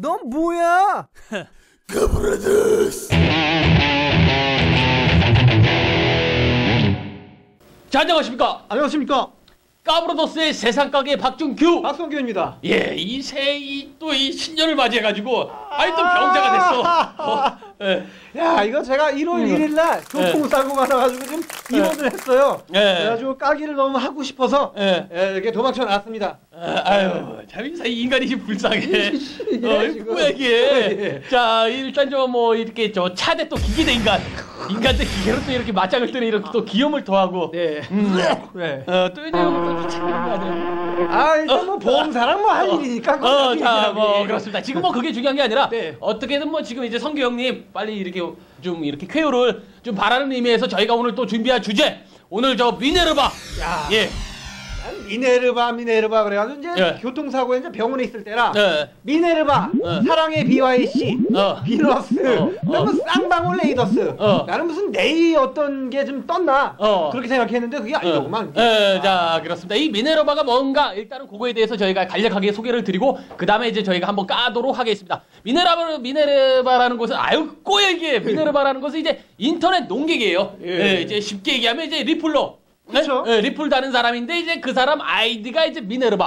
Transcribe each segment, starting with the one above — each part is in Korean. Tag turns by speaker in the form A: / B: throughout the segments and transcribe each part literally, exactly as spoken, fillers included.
A: 넌 뭐야?
B: 까브라더스.
C: 자, 안녕하십니까?
D: 안녕하십니까?
C: 까브라더스의 세상가게 박준규.
D: 박성규입니다.
C: 예, 이 새 이 또 이 신년을 맞이해가지고 아이 또 병자가 됐어. 어, 예.
D: 야, 이거 제가 일월 일일 날 교통사고가 나가지고 좀 입원을 했어요.
C: 예.
D: 그래가지고 까기를 너무 하고 싶어서
C: 예.
D: 예, 이렇게 도망쳐 나왔습니다.
C: 아, 아유, 참 이 인간이 좀 불쌍해.
D: 이게
C: 어,
D: 지금.
C: 뭐야 이게? 자, 일단 저 뭐 이렇게 저 차대 또 기계대 인간, 인간 대 기계로 또 이렇게 맞짱을 뜨는 이렇게 또 기염을 더하고.
D: 네.
C: 음.
D: 네.
C: 어, 또 이제 또 챙기는 거 아니야?
D: 아, 일단 뭐 보험사랑 뭐 할 일이니까.
C: 어, 자, 뭐 그렇습니다. 지금 뭐 그게 중요한 게 아니라
D: 네.
C: 어떻게든 뭐 지금 이제 성규 형님 빨리 이렇게 좀 이렇게 쾌유를 좀 바라는 의미에서 저희가 오늘 또 준비한 주제, 오늘 저 미네르바.
D: 야.
C: 예.
D: 미네르바 미네르바 그래가지고 이제
C: 예.
D: 교통사고에 이제 병원에 있을 때라
C: 네.
D: 미네르바
C: 어.
D: 사랑의 비와이씨
C: 어.
D: 비너스
C: 어. 어.
D: 그다음에 쌍방울 레이더스
C: 어.
D: 나는 무슨 네이 어떤 게 좀 떴나
C: 어.
D: 그렇게 생각했는데 그게 아니더구만.
C: 예, 자, 그렇습니다. 이 미네르바가 뭔가 일단은 그거에 대해서 저희가 간략하게 소개를 드리고 그 다음에 이제 저희가 한번 까도록 하겠습니다. 미네르바, 미네르바라는 곳은 아유 꼬여 이게 미네르바라는 것은 이제 인터넷 농객이에요.
D: 예.
C: 예, 이제 쉽게 얘기하면 이제 리플러.
D: 그렇죠.
C: 네? 예, 리플 다는 사람인데 이제 그 사람 아이디가 이제 미네르바.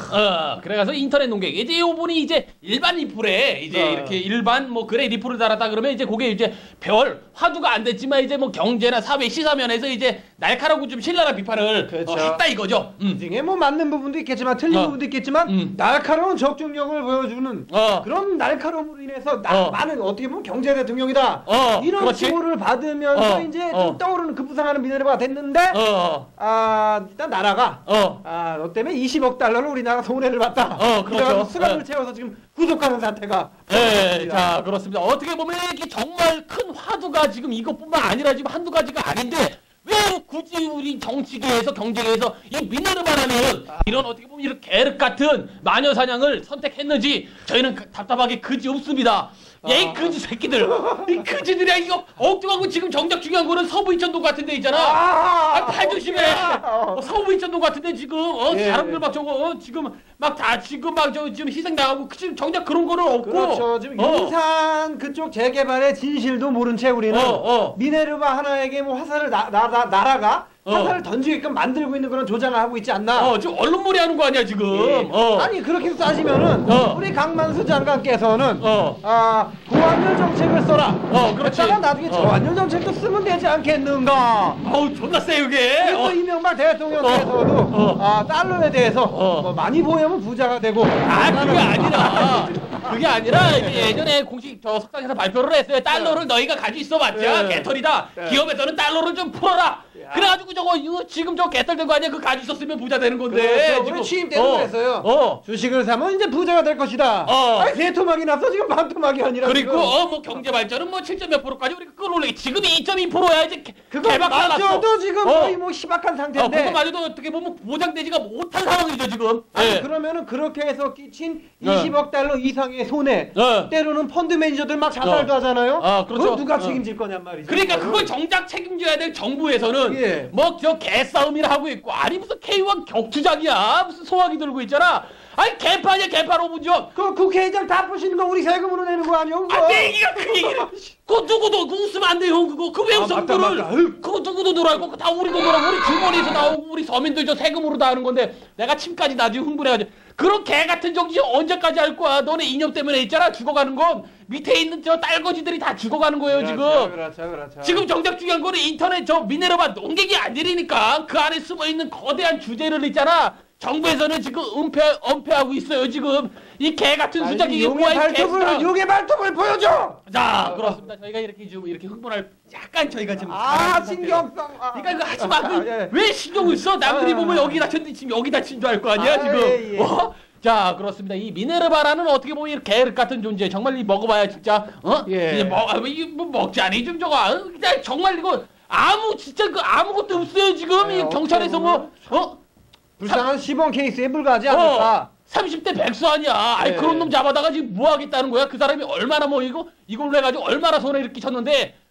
C: 어, 그래가서 인터넷 농객. 이제 이분이 이제 일반 리플에 이제
D: 어.
C: 이렇게 일반 뭐 그래 리플을 달았다 그러면 이제 그게 이제 별 화두가 안 됐지만 이제 뭐 경제나 사회 시사면에서 이제 날카롭고 좀 신랄한 비판을
D: 그렇죠.
C: 어, 했다 이거죠. 음.
D: 중에 뭐 맞는 부분도 있겠지만 틀린
C: 어.
D: 부분도 있겠지만
C: 음.
D: 날카로운 적중력을 보여주는
C: 어.
D: 그런 날카로움으로 인해서 나,
C: 어.
D: 많은 어떻게 보면 경제 대통령이다
C: 어,
D: 이런
C: 그렇지.
D: 칭호를 받으면서
C: 어.
D: 이제
C: 어.
D: 좀 떠오르는 급부상하는 미네르바가 됐는데
C: 어.
D: 아 일단 나라가
C: 어.
D: 아 너 때문에 이십억 달러를 우리나라 손해를 봤다.
C: 어, 그렇죠.
D: 그래가지고 수갑을
C: 예.
D: 채워서 지금 구속하는 사태가
C: 네,
D: 벌어졌습니다.
C: 자 그렇습니다. 어떻게 보면 이게 정말 큰 화두가 지금 이것뿐만 아니라 지금 한두 가지가 아닌데 왜 굳이 우리 정치계에서 경제계에서 이 미네르바라는 이런 어떻게 보면 이런 계륵 같은 마녀 사냥을 선택했는지 저희는 그- 답답하게 그지 없습니다. 야, 이 그지 새끼들, 이 그지들이야 이거 엉뚱하고 지금 정작 중요한 거는 서부 이천동 같은 데 있잖아. 아, 팔 조심해. 어, 서부 이천동 같은데 지금 어
D: 예.
C: 사람들 막 저거 어, 지금 막 다 지금 막 저 지금 희생 당하고 지금 정작 그런 거는 없고.
D: 그렇죠. 지금
C: 어.
D: 용산 그쪽 재개발의 진실도 모른 채 우리는
C: 어, 어.
D: 미네르바 하나에게 뭐 화살을 나, 나, 나, 나라가
C: 어.
D: 화살을 던지게끔 만들고 있는 그런 조장을 하고 있지 않나.
C: 어, 지금 언론몰이 하는 거 아니야 지금.
D: 예.
C: 어.
D: 아니 그렇게 따지면은
C: 어.
D: 우리 강만수 장관께서는
C: 어.
D: 아 고환율 정책을 써라.
C: 어, 그렇지.
D: 그러다가 나중에
C: 어.
D: 저환율 정책도 쓰면 되지 않겠는가.
C: 아우 존나 세 이게.
D: 그래서
C: 어.
D: 이명박 대통령께서도
C: 어.
D: 아 달러에 대해서
C: 어.
D: 뭐 많이 보이면 부자가 되고.
C: 아 그게 아니라 그게 아니라 이제 예전에 공식 저 석상에서 발표를 했어요. 달러를 너희가 가지고 있어봤자
D: 네.
C: 개털이다.
D: 네.
C: 기업에서는 달러를 좀 풀어라. 그래가지고 저거 이거 지금 저 개털 된 거 아니야? 그거 가지고 있었으면 부자 되는 건데.
D: 그렇죠.
C: 지금.
D: 우리 취임 때도
C: 어.
D: 그랬어요.
C: 어.
D: 주식을 사면 이제 부자가 될 것이다.
C: 어.
D: 아니 세 토막이 나서 지금 반 토막이 아니라.
C: 그리고
D: 지금.
C: 어 뭐 경제 발전은 뭐 칠 점 몇 프로까지 우리가 끌어올리기 지금이 이 점 이 퍼센트야 이제 개-
D: 그거
C: 개박살 났어.
D: 맞죠도 지금
C: 어.
D: 거의 뭐 희박한
C: 어,
D: 상태인데.
C: 그거마저도 어떻게 보면 보장되지가 못한 상황이죠 지금.
D: 아니
C: 예.
D: 그러면은 그렇게 해서 끼친
C: 네.
D: 이십억 달러 이상의 손해.
C: 네.
D: 때로는 펀드 매니저들 막 자살도
C: 어.
D: 하잖아요.
C: 아, 그렇죠.
D: 그걸 누가
C: 어.
D: 책임질 거냔 말이죠.
C: 그러니까 그걸 정작 책임져야 될 정부에서는
D: 예.
C: 뭐 저 개싸움이라 하고 있고 아니 무슨 케이원 격투작이야 무슨 소화기 들고 있잖아. 아니 개판이야 개판 오분전.
D: 그 국회의장 다 부시는 거 우리 세금으로 내는 거 아니야? 그거?
C: 아, 내 얘기가 그 얘기를. 그거 누구도 그거 웃으면 안 돼요, 그거. 그 왜
D: 아,
C: 웃어,
D: 맞다,
C: 그거를.
D: 맞다. 아유.
C: 그거 누구도 놀아고, 그거 다 우리도 놀아고, 우리 주머니에서 나오고, 우리 서민들 저 세금으로 다 하는 건데, 내가 침까지 나중에 흥분해가지고. 그런 개 같은 정치 언제까지 할 거야? 너네 이념 때문에 있잖아, 죽어가는 건. 밑에 있는 저 딸거지들이 다 죽어가는 거예요,
D: 그렇죠,
C: 지금.
D: 그렇죠, 그렇죠.
C: 지금 정작 중요한 거는 인터넷 저 미네르바 농객이 아니니까 그 안에 숨어 있는 거대한 주제를 있잖아. 정부에서는 지금 은폐, 은폐하고 있어요, 지금. 이 개 같은 수작이 이게
D: 용의
C: 뭐야, 이
D: 발톱을
C: 개수작.
D: 용의 발톱을 보여줘.
C: 자, 그렇습니다. 저희가 이렇게 좀 이렇게 흥분할 약간 저희가 좀
D: 아
C: 잘하는
D: 신경성. 아.
C: 그러니까 이거 하지 마. 그
D: 아, 예.
C: 왜 신경을 써? 남들이
D: 아.
C: 보면 여기 다쳤는데 지금 여기 다친 줄 알 거 아니야,
D: 아,
C: 지금.
D: 예, 예.
C: 어? 자, 그렇습니다. 이 미네르바라는 어떻게 보면 이렇게 개륵 같은 존재. 정말 이 먹어봐야 진짜 어?
D: 예.
C: 이제 먹, 아, 이뭐 먹지 않니 좀 저거. 어? 그냥 정말 이거 아무 진짜 그 아무것도 없어요 지금.
D: 예,
C: 이 경찰에서 뭐 어?
D: 불쌍한 시범 케이스에 불과하지 않을까.
C: 어, 삼십 대 백수 아니야. 아이
D: 예.
C: 그런 놈 잡아다가 지금 뭐 하겠다는 거야? 그 사람이 얼마나 뭐 이거 이걸로 해가지고 얼마나 손해 이렇게 쳤는데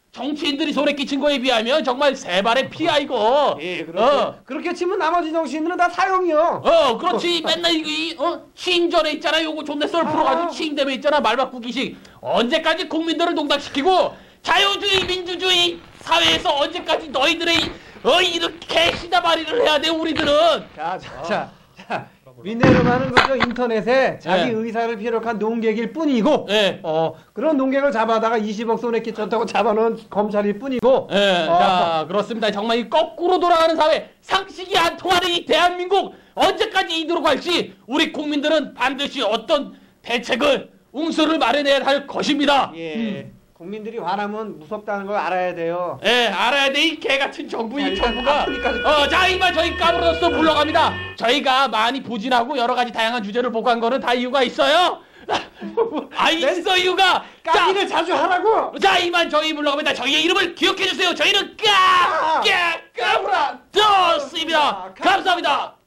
C: 정치인들이 손에 끼친 거에 비하면 정말 세 발의 피야 이거.
D: 예, 그렇게,
C: 어.
D: 그렇게 치면 나머지 정치인들은 다 사형이요.
C: 어, 그렇지. 맨날 이거 이, 어? 취임 전에 있잖아. 요거 존내 썰 풀어가지고
D: 아.
C: 취임되면 있잖아. 말 바꾸기식. 언제까지 국민들을 농락시키고 자유주의 민주주의 사회에서 언제까지 너희들의 어 이렇게 시다바리를 해야 돼 우리들은.
D: 자, 자, 자, 자. 미네르바는 그저 인터넷에 자기
C: 네.
D: 의사를 피력한 농객일 뿐이고,
C: 네.
D: 어 그런 농객을 잡아다가 이십억 손에 끼쳤다고 잡아놓은 검찰일 뿐이고.
C: 예,
D: 어,
C: 자 그렇습니다. 정말 이 거꾸로 돌아가는 사회, 상식이 안 통하는 이 대한민국 언제까지 이대로 갈지 우리 국민들은 반드시 어떤 대책을 웅수를 마련해야 할 것입니다.
D: 예.
C: 음.
D: 국민들이 화나면 무섭다는 걸 알아야 돼요.
C: 예, 알아야 돼. 이 개 같은 정부,
D: 자,
C: 이
D: 일단
C: 정부가.
D: 아프니까 좀-
C: 어, 자, 이만 저희 까불어서 물러갑니다. 저희가 많이 부진하고 여러 가지 다양한 주제를 보고 한 거는 다 이유가 있어요. 아, 있어, 이유가.
D: 까기를 자주 하라고.
C: 자, 이만 저희 물러갑니다. 저희의 이름을 기억해 주세요. 저희는 까, 까, 까불어. 떴습니다. 감사합니다.